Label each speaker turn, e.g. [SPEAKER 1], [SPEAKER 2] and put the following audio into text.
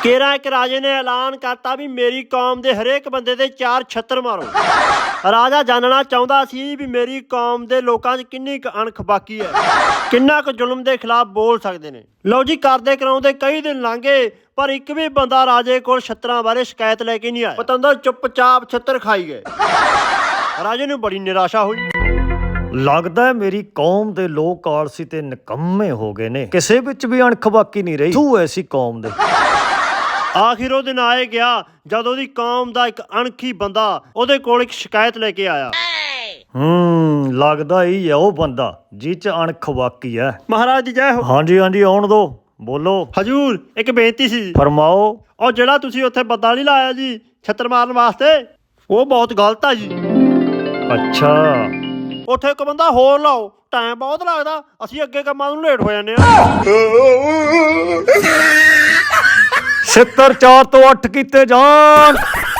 [SPEAKER 1] ਕੇਰਾ ਇੱਕ ਰਾਜੇ ਨੇ ਐਲਾਨ ਕਰਤਾ ਵੀ ਮੇਰੀ ਕੌਮ ਦੇ ਹਰੇਕ ਬੰਦੇ ਦੇ 4 ਛੱਤਰ ਮਾਰੋ। ਰਾਜਾ ਜਾਣਨਾ ਚਾਹੁੰਦਾ ਸੀ ਵੀ ਮੇਰੀ ਕੌਮ ਦੇ ਲੋਕਾਂ 'ਚ ਕਿੰਨੀ ਕੁ ਅਣਖ ਬਾਕੀ ਹੈ, ਕਿੰਨਾ ਕੁ ਜ਼ੁਲਮ ਦੇ ਖਿਲਾਫ ਬੋਲ ਸਕਦੇ ਨੇ। ਲਓ ਜੀ, ਕਰਦੇ ਕਰਾਉਂਦੇ ਕਈ ਦਿਨ ਲੰਘ ਗਏ, ਪਰ ਇੱਕ ਵੀ ਬੰਦਾ ਰਾਜੇ ਕੋਲ ਛੱਤਰਾਂ ਬਾਰੇ ਸ਼ਿਕਾਇਤ ਲੈ ਕੇ ਨਹੀਂ ਆਇਆ। ਪਤੰਦਰ ਚੁੱਪਚਾਪ ਛੱਤਰ ਖਾਈ ਗਏ। ਰਾਜੇ ਨੂੰ ਬੜੀ ਨਿਰਾਸ਼ਾ ਹੋਈ।
[SPEAKER 2] ਲੱਗਦਾ ਮੇਰੀ ਕੌਮ ਦੇ ਲੋਕ ਆਲਸੀ ਤੇ ਨਿਕੰਮੇ ਹੋ ਗਏ ਨੇ, ਕਿਸੇ ਵਿੱਚ ਵੀ ਅਣਖ ਬਾਕੀ ਨਹੀਂ ਰਹੀ। ਤੂੰ ਐਸੀ ਕੌਮ ਦੇ।
[SPEAKER 1] ਆਖਿਰ ਉਹ ਦਿਨ ਆਏ ਗਿਆ ਜਦ ਉਹਦੀ ਕੌਮ ਦਾ ਇੱਕ ਅਣਖੀ ਬੰਦਾ ਉਹਦੇ ਕੋਲ ਇੱਕ ਸ਼ਿਕਾਇਤ ਲੈ ਕੇ ਆਇਆ।
[SPEAKER 2] ਲੱਗਦਾ ਹੀ ਹੈ ਉਹ ਬੰਦਾ ਜਿਹ ਚ ਅਣਖ ਬਾਕੀ ਹੈ।
[SPEAKER 1] ਮਹਾਰਾਜ ਦੀ ਜੈ ਹੋ।
[SPEAKER 2] ਹਾਂਜੀ ਹਾਂਜੀ, ਆਉਣ ਦੋ, ਬੋਲੋ।
[SPEAKER 1] ਹਜੂਰ, ਇੱਕ ਬੇਨਤੀ ਸੀ।
[SPEAKER 2] ਫਰਮਾਓ।
[SPEAKER 1] ਉਹ ਜਿਹੜਾ ਤੁਸੀਂ ਉੱਥੇ ਬੰਦਾ ਨਹੀਂ ਲਾਇਆ ਜੀ ਛੱਤਰ ਮਾਰਨ ਵਾਸਤੇ, ਉਹ ਬਹੁਤ ਗਲਤ ਆ ਜੀ।
[SPEAKER 2] ਅੱਛਾ,
[SPEAKER 1] ਉੱਥੇ ਇੱਕ ਬੰਦਾ ਹੋਰ ਲਾਓ, ਟਾਈਮ ਬਹੁਤ ਲੱਗਦਾ, ਅਸੀਂ ਅੱਗੇ ਕੰਮਾਂ ਨੂੰ ਲੇਟ ਹੋ ਜਾਂਦੇ ਆ।
[SPEAKER 2] ਛਿੱਤਰ 4 ਤੋਂ 8 ਕੀਤੇ ਜਾਣ।